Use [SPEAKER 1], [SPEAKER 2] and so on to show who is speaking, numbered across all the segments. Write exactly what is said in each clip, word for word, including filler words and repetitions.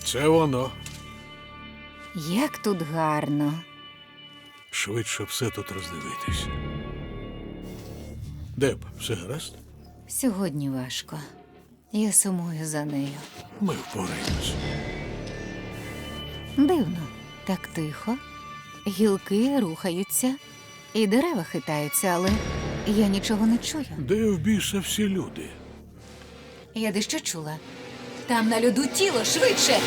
[SPEAKER 1] Це воно.
[SPEAKER 2] Як тут гарно.
[SPEAKER 1] Швидше все тут роздивитись. Деб, все гаразд?
[SPEAKER 2] Сьогодні важко. Я сумую за нею.
[SPEAKER 1] Ми впораємось.
[SPEAKER 2] Дивно, так тихо. Гілки рухаються, і дерева хитаються, але я нічого не чую.
[SPEAKER 1] Де в біса всі люди?
[SPEAKER 2] Я дещо чула. Там на льоду тіло, швидше!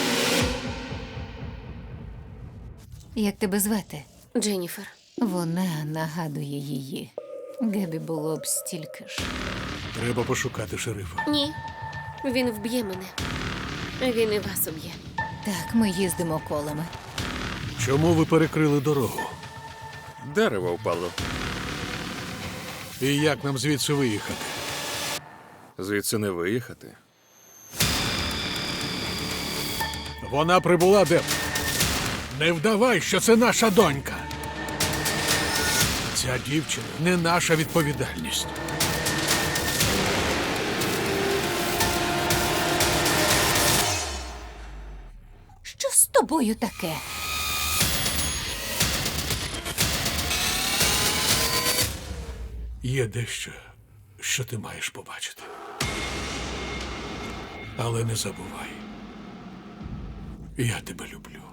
[SPEAKER 2] Як тебе звати?
[SPEAKER 3] Дженніфер.
[SPEAKER 2] Вона нагадує її. Гебі було б стільки ж.
[SPEAKER 1] Треба пошукати шерифа.
[SPEAKER 3] Ні. Він вб'є мене. Він і вас уб'є.
[SPEAKER 2] Так, ми їздимо колами.
[SPEAKER 1] Чому ви перекрили дорогу?
[SPEAKER 4] Дерево впало.
[SPEAKER 1] І як нам звідси виїхати?
[SPEAKER 4] Звідси не виїхати.
[SPEAKER 1] Вона прибула, Деб. Не вдавай, що це наша донька. Ця дівчина не наша відповідальність.
[SPEAKER 2] Що з тобою таке?
[SPEAKER 1] Є дещо, що ти маєш побачити. Але не забувай. Я тебе люблю.